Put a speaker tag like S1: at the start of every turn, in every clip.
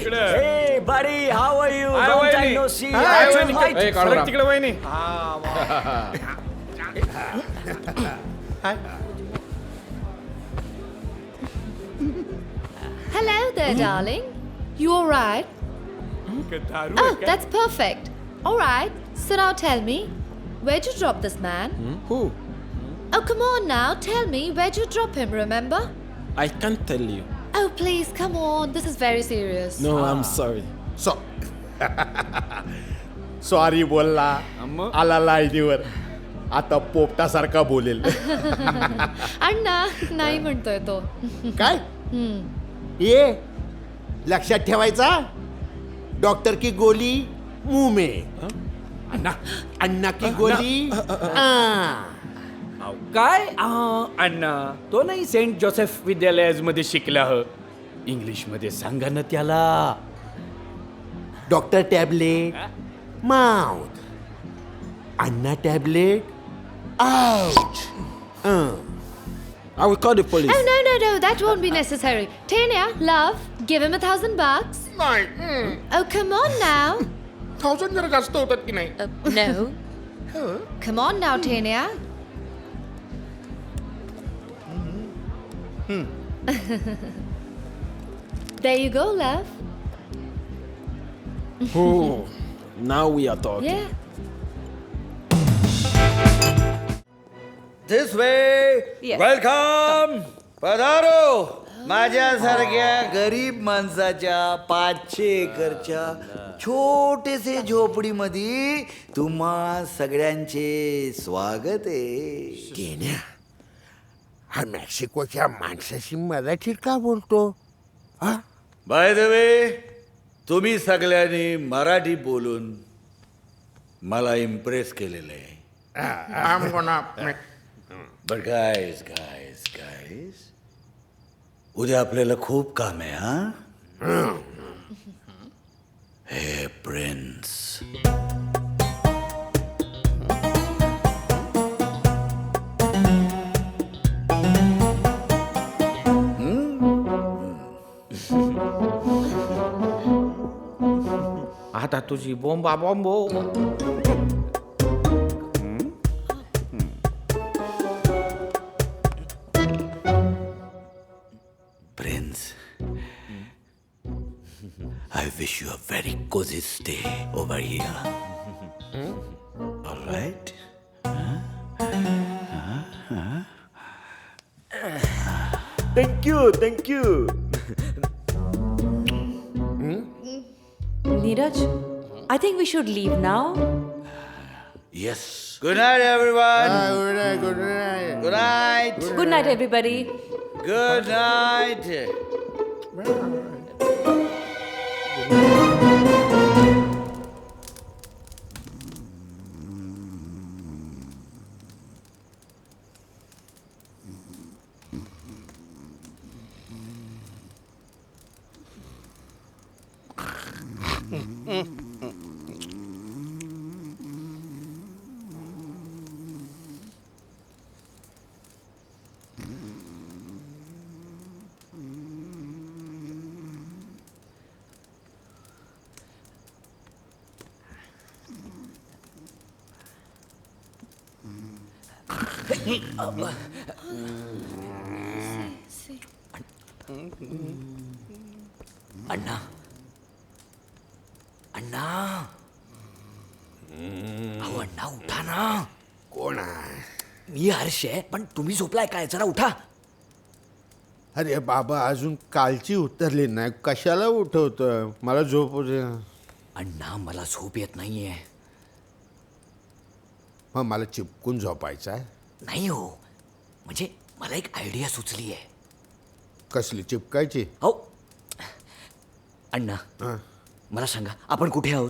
S1: Hey, buddy, how are you?
S2: Hi,
S1: Long
S2: वहिनी.
S1: time no see.
S2: Hi,
S1: How's your
S2: वहिनी.
S1: flight?
S2: ए, काढू ना. तिकडे वहिनी.
S3: Hello there, darling. You all right? Oh, that's perfect. All right. So now tell me, where'd you drop this man?
S4: Who?
S3: Oh, come on now. Tell me, where'd you drop him, remember?
S4: I can't tell you.
S3: Oh, please, come on. This is very serious.
S4: No, I'm sorry.
S5: Sorry बोलला आला लाईनीवर आता पोपटासारखा बोलेल
S3: अण्णा नाही म्हणतोय तो.
S5: काय ये लक्षात ठेवायचा डॉक्टर की गोली मुंह में अन्ना की गोली
S1: काय अण्णा तो नाही सेंट जोसेफ विद्यालयामध्ये शिकला ह इंग्लिश मध्ये सांगा ना त्याला.
S5: डॉक्टर टॅबलेट माउथ अन्ना tablet ouch
S4: I will call the police.
S3: Oh, no. That won't be necessary. Tanya, love, give him $1,000.
S6: नाही
S3: Oh, come on now.
S6: 1000 जरा जास्त होतात की नाही
S3: No. Come on now, Tanya. There you go, love.
S4: Oh, now we are talking.
S3: Yeah.
S7: This way
S3: Yes.
S7: Welcome पधारो माझ्यासारख्या गरीब माणसाच्या 500 एकरच्या छोटेसे झोपडीमध्ये तुम्हा सगळ्यांचे स्वागत आहे.
S5: केन्या हा मेक्सिकोच्या माणसाशी मराठीत का बोलतो हा
S7: बाय द वे तुम्ही सगळ्यांनी मराठी बोलून मला इम्प्रेस केलेलं आहे.
S6: I'm gonna
S7: but guys guys guys उद्या आपल्याला खूप काम आहे हा. हे प्रिन्स
S2: आता तुझी बोंबा बॉम्बो.
S7: Prince, I wish you a very cozy stay over here. All right?
S1: Thank you.
S8: Neeraj, I think we should leave now.
S7: Yes. Good night, everyone. Good night.
S8: Good night, everybody.
S7: Good night. अण्णा अण्णा अहो अण्णा उठा ना.
S5: कोण आहे
S7: मी हर्ष आहे पण तुम्ही झोपलाय काय जरा उठा.
S5: अरे बाबा अजून कालची उतरली नाही कशाला उठवतोय मला झोप दे.
S7: अण्णा मला झोप येत नाहीये.
S5: मग मला चिपकून झोपायचं आहे.
S7: नाही हो म्हणजे मला एक आयडिया सुचली आहे.
S5: कसली चिपकायची
S7: हो अण्णा
S5: हा.
S7: मला सांगा आपण कुठे आहोत.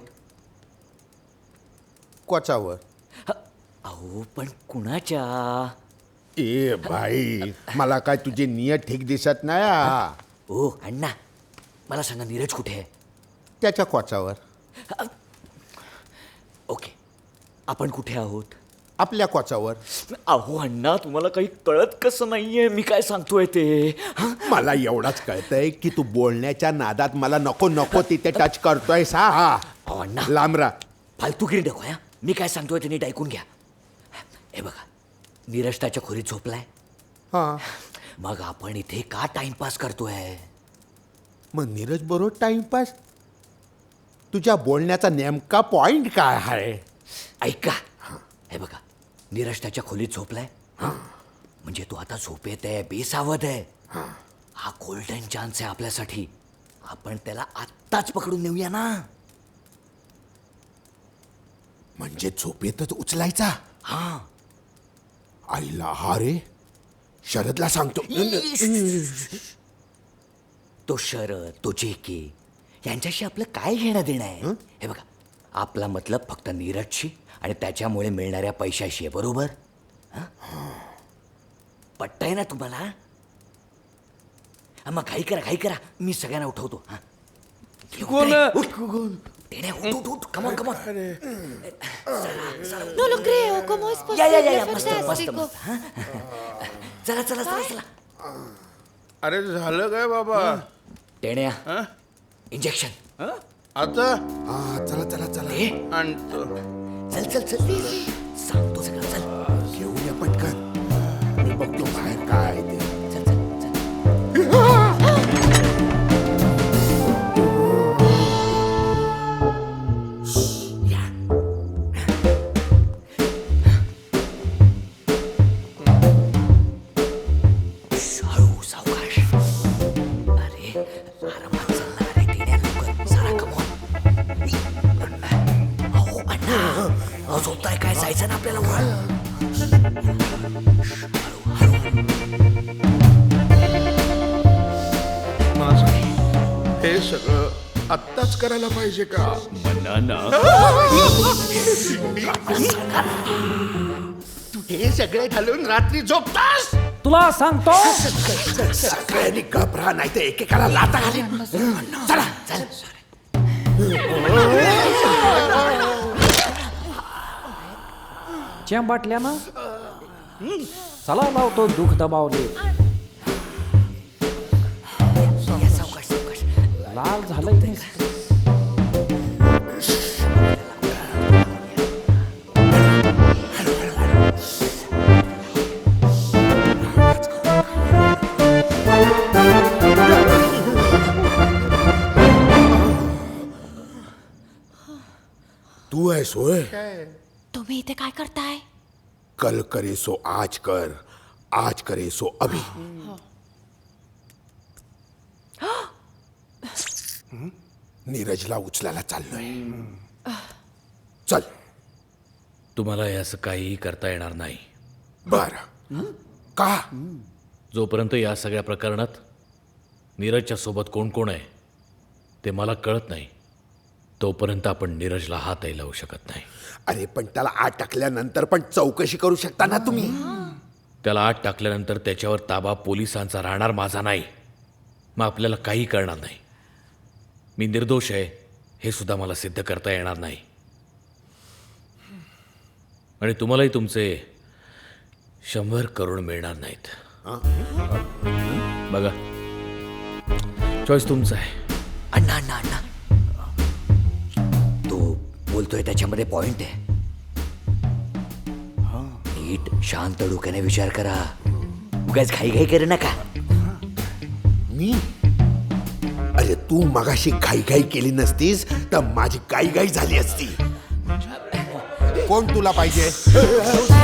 S5: कोचावर
S7: अहो पण कुणाच्या.
S5: ए भाई मला काय तुझी नियत ठीक दिसत नाही
S7: ओ अण्णा मला सांगा नीरज कुठे आहे.
S5: त्याच्या कोचावर
S7: ओके आपण कुठे आहोत.
S5: आपल्या कोचावर.
S9: अहो अण्णा तुम्हाला काही कळत कसं नाहीये मी काय सांगतोय ते हं?
S5: मला एवढाच कळतंय की तू बोलण्याच्या नादात मला नको नको तिथे टच करतोय सा.
S9: अहो अण्णा
S5: लांबरा.
S9: फालतूगिरी नको या मी काय सांगतोय ते नीट ऐकून घ्या. हे बघा नीरज त्याच्या खोलीत झोपलाय.
S5: हा,
S9: मग आपण इथे का टाइमपास करतोय.
S5: मग नीरज बरोबर टाइमपास. तुझ्या बोलण्याचा नेमका पॉइंट काय आहे.
S9: ऐका हे बघा नीरज त्याच्या खोलीत झोपलाय म्हणजे तू आता झोपेत आहे बेसावध आहे. हा गोल्डन चान्स आहे आपल्यासाठी. आपण त्याला आत्ताच पकडून नेऊया ना.
S5: म्हणजे झोपेतच उचलायचा.
S9: हा
S5: आईला हा रे शरदला सांगतो.
S9: तो शरद तो जेके यांच्याशी आपलं काय घेणं देणं आहे. हे बघा आपला मतलब फक्त नीरजशी आणि त्याच्यामुळे मिळणाऱ्या पैशाशी आहे बरोबर. पटतंय ना तुम्हाला. मग घाई करा मी सगळ्यांना उठवतो. Come on
S3: No lo creo. ¿Cómo es
S9: या
S3: posible?
S9: मस्त
S3: Fantástico.
S9: चला
S6: अरे झालं काय बाबा.
S9: टेण्या इंजेक्शन
S6: आता
S5: हा, चला चला चला
S9: हे
S6: आणतो.
S9: चल सांगतो सगळं चल
S5: घेऊया पटकन. मी बघतो बाहेर काय आहे ते.
S9: चल या हळू सावकाश. अरे आरामात चल ना रे टेण्या लवकर सारा कमॉन. अहो अण्णा झोपताय काय जायचं ना आपल्याला वर.
S6: माझं हे सगळं आत्ताच करायला पाहिजे का.
S1: बनाना.
S5: तू हे सगळे घालून रात्री झोपतास.
S2: तुला सांगतो
S5: सगळ्यांनी घबरा नाही तर एकेकाला लाता घालीन. चला
S9: चल
S2: च्या बाटल्या ना चला लावतो दुःख दबावले.
S9: या सावकाश
S2: लाल झालंय नुसतं.
S5: तू आहेस होय.
S3: तुम्ही इथे काय करताय.
S5: कल करे सो आज कर, आज करे सो अभी. नीरजला उचलायला चाललोय. चल.
S1: तुम्हाला हे असं काहीही करता येणार नाही.
S5: बर. का.
S1: जोपर्यंत या सगळ्या प्रकरणात नीरजच्या सोबत कोण कोण आहे ते मला कळत नाही तोपर्यंत आपण नीरजला हातही लावू शकत नाही.
S5: अरे पण त्याला आत टाकल्यानंतर पण चौकशी करू शकता ना तुम्ही.
S1: त्याला आत टाकल्यानंतर त्याच्यावर ताबा पोलिसांचा राहणार माझा नाही. मग आपल्याला काही करणार नाही. मी निर्दोष आहे हे सुद्धा मला सिद्ध करता येणार नाही. आणि तुम्हालाही तुमचे 100 करोड मिळणार नाहीत. बघा चॉईस तुमचा आहे.
S9: अण्णा तो बोलतोय त्याच्यामध्ये पॉइंट आहे. नीट शांत डोक्याने विचार करा. उगाच घाई करू नका.
S5: मी. अरे तू मगाशी घाई केली नसतीस तर माझी घाई झाली असती. कोण तुला पाहिजे.